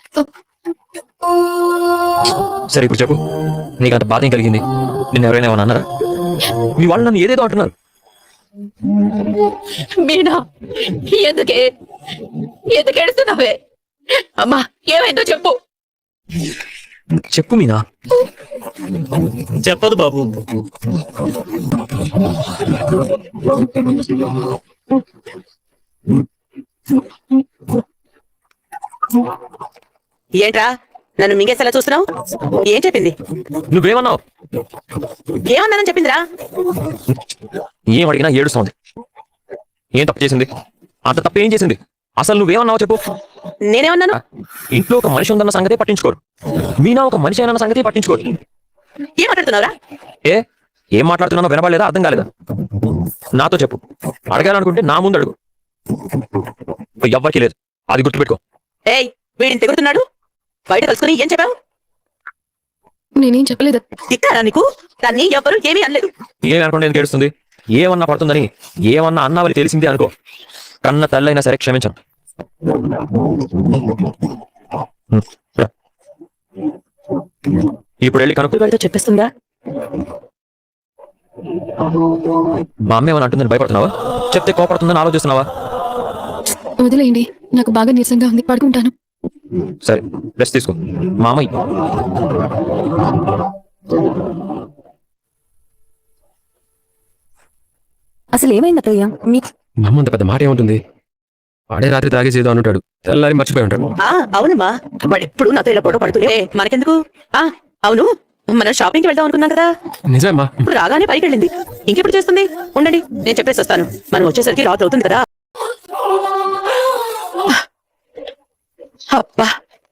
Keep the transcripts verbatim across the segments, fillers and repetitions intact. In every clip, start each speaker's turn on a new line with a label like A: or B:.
A: సరే ఇప్పుడు చెప్పు, నీకు అంత బాధ ఏం కలిగింది? నిన్ను ఎవరైనా ఏమన్నా అన్నారా? మీ వాళ్ళు నన్ను ఏదేదో అంటున్నారు.
B: మీనా, ఎందుకే ఎందుకు ఏడుస్తున్నావే? అమ్మా, ఏమైందో చెప్పు.
A: చెప్పు మీనా.
C: చెప్పదు బాబు.
B: ఏంట్రా నన్ను మింగేసేలా చూస్తున్నావు? ఏం చెప్పింది?
A: నువ్వేమన్నావు?
B: ఏమన్నానని చెప్పిందిరా?
A: ఏం అడిగినా ఏడుస్తోంది. ఏం తప్పు చేసింది? అంత తప్పు ఏం చేసింది? అసలు నువ్వేమన్నావు చెప్పు.
B: నేనేమన్నాను?
A: ఇంట్లో ఒక మనిషి ఉందన్న సంగతే పట్టించుకోరు. మీనా ఒక మనిషి అయినా సంగతే పట్టించుకోరు.
B: ఏం మాట్లాడుతున్నావురా?
A: ఏ ఏం మాట్లాడుతున్నానో వినబడలేదా? అర్థం కాలేదా? నాతో చెప్పు. అడగాలనుకుంటే నా ముందు అడుగు. ఎవ్వరికి లేదు, అది గుర్తుపెట్టుకో.
B: ఏయ్, వీడిని తెగుతున్నాడు. బయట కలుసుకుని ఏం చెప్పావు?
D: నేనేం చెప్పలేదు.
B: తిట్టారా నీకు? దాన్ని ఎవ్వరు ఏమీ అనలేదు.
A: ఏమి అనుకుంటే ఎందుకు ఏడుస్తుంది? ఏమన్నా పడుతుందని ఏమన్నా అన్నావని తెలిసిందే అనుకో, కన్న తల్లైనా సరే క్షమించను. ఇప్పుడు వెళ్ళి కనుక్కు.
B: వాడితో చెప్పేస్తుందా?
A: మా అమ్మ ఏమని అంటుందని భయపడుతున్నావా? చెప్తే కోపడుతుందని ఆలోచిస్తున్నావా?
D: వదిలేయండి, నాకు బాగా నీరసంగా ఉంది, పడుకుంటాను.
A: సరే, రెస్ట్ తీసుకో. మా అమ్మ
E: అసలు ఏమైంది అత్తయ్య? మీ
A: మా అమ్మ అంత పెద్ద మాట ఏముంటుంది? వాడే రాత్రి తాగేసేదో అనుంటాడు, తెల్లారి మర్చిపోయి ఉంటాడు.
B: ఆ అవునమ్మా, వాడు ఎప్పుడు నాతో ఇలా గొడవ పడుతూనే. ఏ, మనకెందుకు? ఆ అవును, మనం షాపింగ్ కి వెళ్దాం అనుకున్నాం కదా.
A: నిజమా?
B: ఇప్పుడు రాగానే పైకి వెళ్ళింది. ఇంకెప్పుడు చేస్తుంది? ఉండండి, నేను చెప్పేసి వస్తాను. మనం వచ్చేసరికి రాత్రి అవుతుంది కదా. అబ్బా,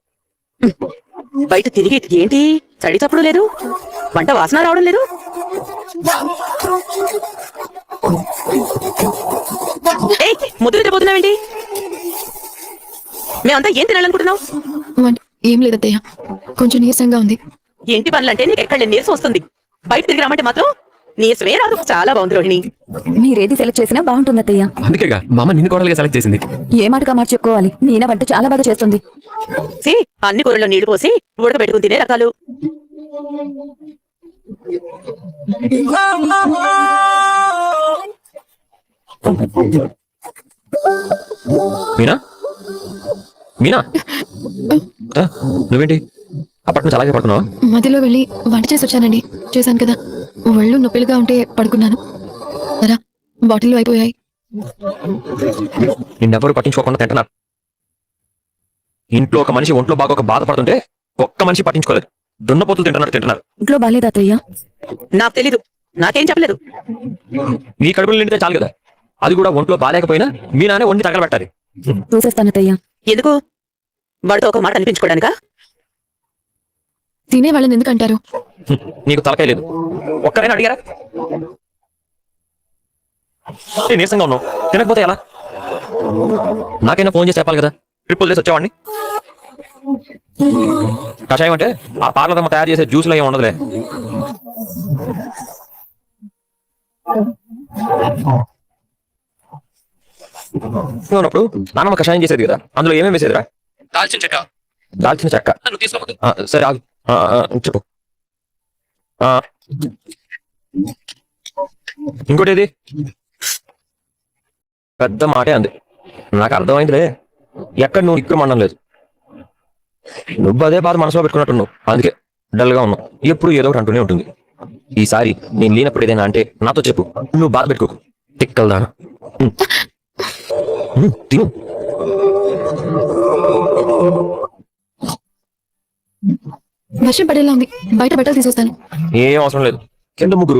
B: బయట తిరిగి ఏంటి చడి చప్పుడు లేదు, వంట వాసన రావడం లేదు. ఏయ్, ముద్దు నిద్రపోతున్నావేంటి? మేమంతా ఏం తినాలనుకుంటున్నావు?
D: వంట ఏం లేదత్తయ్య, కొంచెం నీరసంగా ఉంది.
B: ఇంటి పనులంటే నీకు ఎక్కడ నీరసం వస్తుంది. బయట తిరిగి రమ్మంటే మాత్రం నీరసమే రాదు. చాలా బాగుంది రోహిణి.
E: మీరేది సెలెక్ట్ చేసినా బాగుంటుంది అత్తయ్య.
A: అందుకేగా మా అమ్మ నిన్ను కోడలుగా సెలెక్ట్ చేసింది.
E: ఏ మాటగా మాట చెప్పుకోవాలి, మీనా వంట చాలా బాగా చేస్తుంది.
B: సి, అన్ని కూరల్లో నీళ్లు పోసి ఉడకబెట్టుకుని తినే రకాలు.
A: మీనా, మీనా, ఆ, నువ్వేంటి అప్పటి నుంచి అలాగే పడుతున్నావా?
D: మధ్యలో వెళ్ళి వంట చేసి వచ్చానండి. చేశాను కదా, ఒళ్ళు నొప్పిలుగా ఉంటే పడుకున్నాను. సరా, బాటిల్లో అయిపోయాయి.
A: నిన్నెవరు పట్టించుకోకుండా తింటున్నారు. ఇంట్లో ఒక మనిషి ఒంట్లో బాగా ఒక బాధపడుతుంటే ఒక్క మనిషి పట్టించుకోలేదు. దున్నపోతులు తింటున్నారు తింటున్నారు
E: ఇంట్లో బాగాలేదు అత్తయ్య.
B: నాకు తెలీదు, నాకేం చెప్పలేదు.
A: నీ కడుపులు నిండితే చాలు కదా, అది కూడా ఒంట్లో బాగాలేకపోయినా మీ నానే వండి తగలబెట్టాలి.
E: చూసేస్తాను అత్తయ్య.
B: ఎందుకు? వాడితో ఒక మాట అనిపించుకోవడానికా?
D: తినే వాళ్ళని ఎందుకు అంటారు?
A: నీకు తలకాయ లేదు. ఒక్కరైనా అడిగారా? నేను నీరసంగా ఉన్నావు, తినకపోతే ఎలా? నాకైనా ఫోన్ చేసి చెప్పాలి కదా, ట్రిప్పులు చేసి వచ్చేవాడిని. కషాయం అంటే ఆ పార్లర్ అమ్మ తయారు చేసే జ్యూస్లో ఏమి ఉండదులే. ఉన్నప్పుడు నాన్నమ్మ కషాయం చేసేది కదా, అందులో ఏమేమి వేసేదిరా? దాల్చిన చెక్క. దాల్చిన చెక్క సరే ఆగు. చెప్పు. ఇంకోటి ఏది? పెద్ద మాటే అంది. నాకు అర్థమైందిలే, ఎక్కడ నువ్వు ఇక్కడ మండం లేదు. నువ్వు అదే బాధ మనసులో పెట్టుకున్నట్టున్నావు, అందుకే డల్ గా ఉన్నావు. ఎప్పుడు ఏదో ఒకటి అంటూనే ఉంటుంది. ఈసారి నేను లేనప్పుడు ఏదైనా అంటే నాతో చెప్పు, నువ్వు బాధ పెట్టుకోకు. తిక్కల్దానా తిను.
D: వర్షం పడేలా ఉంది, బయట బట్టలు తీసుకొస్తాను.
A: ఏం అవసరం లేదు, కింద ముగ్గురు.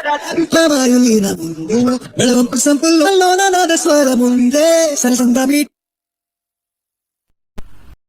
F: La violina, el rompe sample, no, no, no, de suela munde, sale santa